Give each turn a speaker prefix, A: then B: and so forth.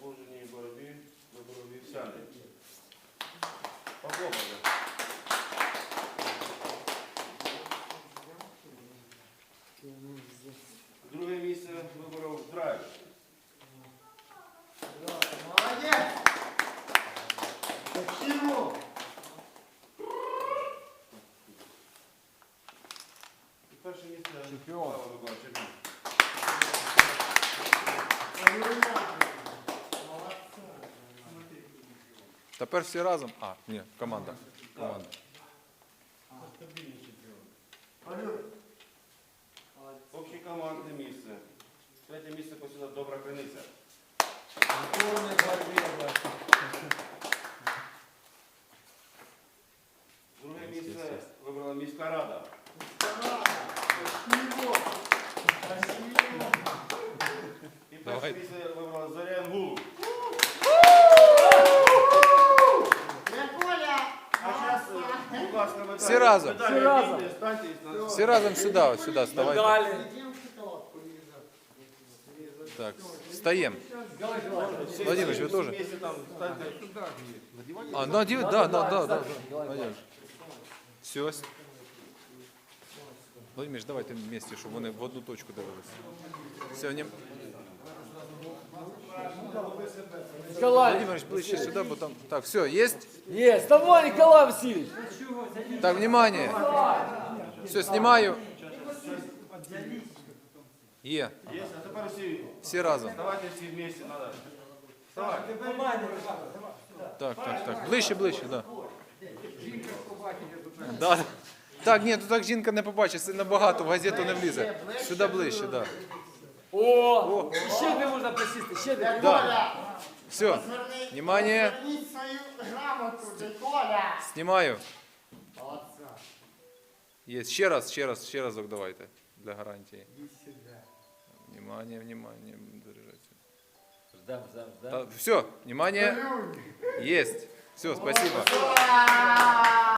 A: положенні боротьби виборов вівсяни. Похлопали. Друге місце виборов Драйв.
B: Молодець! Спасибо!
A: І перше місце
C: Чемпіон.
A: Слава Миколаївич.
C: Тепер всі разом. А, ні, команда. Команда.
A: Общекомандне місце. Третє місце посіла Добра Криниця. Друге місце вибрала міська рада. І перше
C: Давай.
A: місце вибрала Зоря Інгулу. А зараз, будь ласка, медалі.
C: Всі разом.
A: Медалі
D: Всі разом.
A: відійдіть, станьте і станьте.
C: Всі разом сюди, ось сюди, ставайте.
D: Далі.
C: Так, встаємо. Владимирович, ви теж?
A: Вместе там станьте.
C: А, ну, да. Владимирович. Все. Владимирович, давайте вместе, щоб вони в одну точку дивилися. Все, не...
D: Николай.
C: Владимирович, ближче сюди, бо там... Так, все, есть?
D: Есть. Давай, Николай Васильевич.
C: Так, внимание. Все, снимаю. Є.
A: Є, а тепер
C: Всі разом.
A: давайте всі вместе, надо. Вставай.
C: Так. Ближче, да. Да. Так, ні, тут так жінка не побачить, це набагато, в газету не влізе. Сюди ближче, да.
D: О, ще не можна присісти, ще не.
C: Да. Все, внимание,
B: Зверніть свою грамоту, Коля!
C: знімаю.
B: Молодця.
C: Є, ще разок давайте, для гарантії. Внимание, заряжайте.
D: Ждем.
C: Все, внимание, есть. Все, спасибо.